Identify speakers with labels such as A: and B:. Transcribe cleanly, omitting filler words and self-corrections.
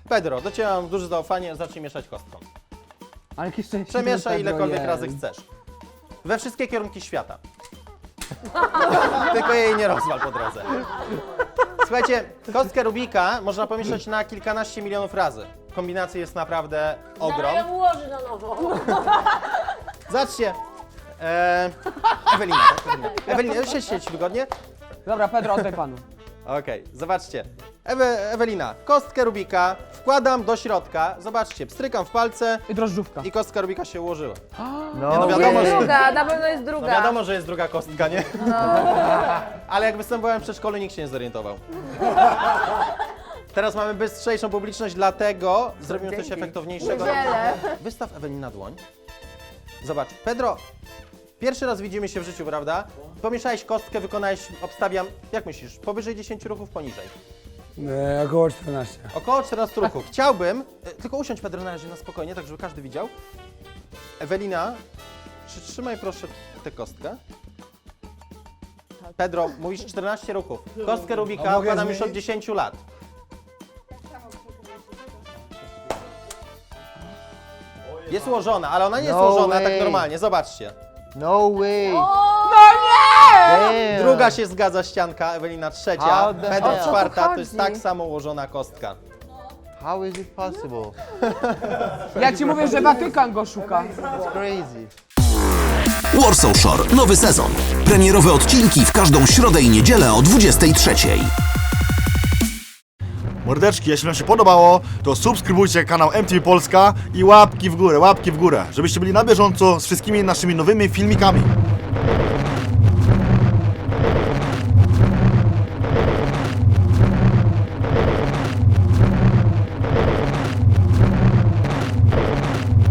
A: Pedro, do ciebie mam duże zaufanie, zacznij mieszać kostką.
B: Ale jakie szczęście.
A: Przemieszaj
B: Pedro
A: ilekolwiek
B: jest.
A: razy chcesz. We wszystkie kierunki świata. Tylko jej nie rozwal po drodze. Słuchajcie, kostkę Rubika można pomieszać na kilkanaście milionów razy. Kombinacji jest naprawdę ogrom.
C: Dalej ją ułoży na nowo.
A: Zobaczcie. Ewelina, tak? Ewelina, siedź wygodnie.
B: Dobra, Pedro, oddaj panu.
A: Okej, zobaczcie. Ewelina, kostkę Rubika wkładam do środka. Zobaczcie, pstrykam w palce
B: I drożdżówka.
A: i kostka Rubika się ułożyła.
D: No,
A: no wiadomo,
C: Jest
A: że-
C: druga, na pewno jest
A: No
C: druga.
A: wiadomo, że jest druga kostka, nie? Ale jak występowałem w przedszkolu, nikt się nie zorientował. Teraz mamy bystrzejszą publiczność, dlatego zrobimy coś efektowniejszego.
C: Niedzielę.
A: Wystaw Ewelina dłoń. Zobacz, Pedro, pierwszy raz widzimy się w życiu, prawda? Pomieszałeś kostkę, wykonałeś, obstawiam, jak myślisz, powyżej 10 ruchów, poniżej?
D: Około 14.
A: Około 14 ruchów. Chciałbym, tylko usiądź Pedro na razie na spokojnie, tak żeby każdy widział. Ewelina, przytrzymaj proszę tę kostkę. Pedro, mówisz 14 ruchów. Kostkę
D: A
A: Rubika
D: mogę
A: układam już od
D: zmienić?
A: 10 lat. Jest ułożona, ale ona nie jest
E: No
A: ułożona tak
E: way.
A: normalnie, zobaczcie.
E: No way. Damn.
A: Druga się zgadza ścianka, Ewelina trzecia,
E: How the
A: Pedro
E: hell?
A: czwarta, to jest tak samo ułożona kostka.
E: How is it possible?
B: Ja ci mówię, że Watykan go szuka.
E: It's crazy.
F: Warsaw Shore, nowy sezon. Premierowe odcinki w każdą środę i niedzielę o 23:00.
G: Mordeczki, jeśli wam się podobało, to subskrybujcie kanał MTV Polska i łapki w górę, żebyście byli na bieżąco z wszystkimi naszymi nowymi filmikami.